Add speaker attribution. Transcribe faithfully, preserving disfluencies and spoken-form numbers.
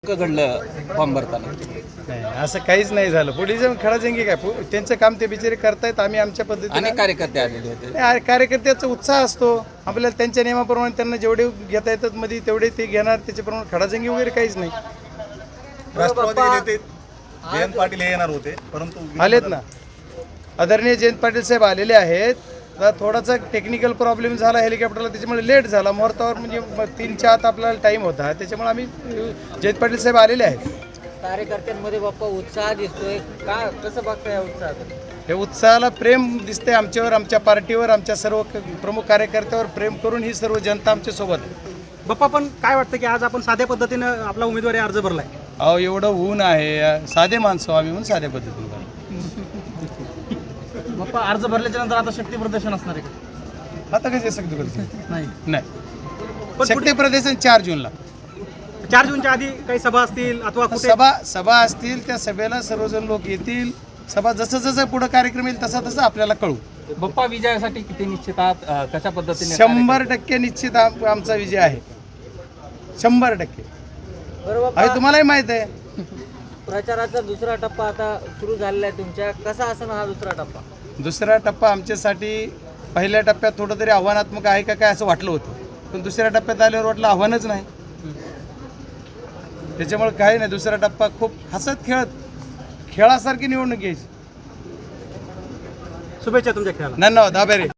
Speaker 1: घडलं फॉर्म भरताना
Speaker 2: नाही असं काहीच नाही झालं. पोलिस खडाजंगी काय पो- त्यांचं काम ते बिचारे करतायत, आम्ही आमच्या पद्धतीने.
Speaker 1: अनेक कार्यकर्ते आलेले होते.
Speaker 2: नाही, कार्यकर्त्याचा उत्साह असतो आपल्याला, त्यांच्या नियमाप्रमाणे त्यांना जेवढे घेता येतात मध्ये तेवढे ते घेणार, त्याच्याप्रमाणे खडाजंगी वगैरे काहीच नाही.
Speaker 3: राष्ट्रवादी नेते जयंत पाटील हे येणार होते, परंतु
Speaker 2: आलेत ना, आदरणीय जयंत पाटील साहेब आलेले आहेत. आता थोडासा टेक्निकल प्रॉब्लेम झाला हेलिकॉप्टरला, त्याच्यामुळे लेट झाला. मुहूर्तावर म्हणजे मग तीनच्या आत आपल्याला टाईम होता, त्याच्यामुळे आम्ही जयंत पाटील साहेब आलेले आहेत.
Speaker 4: कार्यकर्त्यांमध्ये बाप्पा उत्साह दिसतोय, का कसं बघताय उत्साह?
Speaker 2: हे उत्साहाला प्रेम दिसते आमच्यावर, आमच्या पार्टीवर, आमच्या सर्व क- प्रमुख कार्यकर्त्यावर प्रेम करून ही सर्व जनता आमच्या सोबत आहे.
Speaker 5: बाप्पा, पण काय वाटतं की आज आपण साध्या पद्धतीनं आपला उमेदवारी अर्ज भरलाय?
Speaker 2: अहो एवढं ऊन आहे, साधे माणसं आम्ही म्हणून साध्या पद्धतीने करतो.
Speaker 5: बाप्पा, अर्ज भरल्याच्या नंतर आता शक्ती प्रदर्शन असणार आहे का?
Speaker 2: आता कसे शक्ती करतो
Speaker 5: नाही,
Speaker 2: नाही
Speaker 5: पण
Speaker 2: शक्ती प्रदर्शन चार जूनला
Speaker 5: चार जूनच्या आधी काही सभा असतील अथवा कुठे
Speaker 2: सभा सभा असतील, त्या सभेला सर्वजण लोक येतील. सभा जसं जसं पुढे कार्यक्रम येईल तसा तसं आपल्याला कळू.
Speaker 1: बप्पा विजयासाठी किती निश्चित आहात? अं, कशा पद्धतीने
Speaker 2: शंभर टक्के निश्चित आम- आमचा विजय आहे, शंभर टक्के.
Speaker 4: बरोबर
Speaker 2: आणि
Speaker 4: बाप्पा,
Speaker 2: तुम्हालाही माहित आहे
Speaker 4: प्रचाराचा दुसरा टप्पा आता सुरू झालेला आहे तुमच्या, कसा असणार हा दुसरा टप्पा?
Speaker 2: दुसरा टप्पा आमच्यासाठी पहिल्या टप्प्यात थोडं तरी आव्हानात्मक आहे का काय असं वाटलं होतं, पण दुसऱ्या टप्प्यात आल्यावर वाटलं आव्हानच नाही. त्याच्यामुळे काही नाही, दुसरा टप्पा खूप हसत खेळत खेळासारखी निवडणूक घ्यायची.
Speaker 5: शुभेच्छा तुमच्या खेळाला.
Speaker 2: धन्यवाद, आभारी.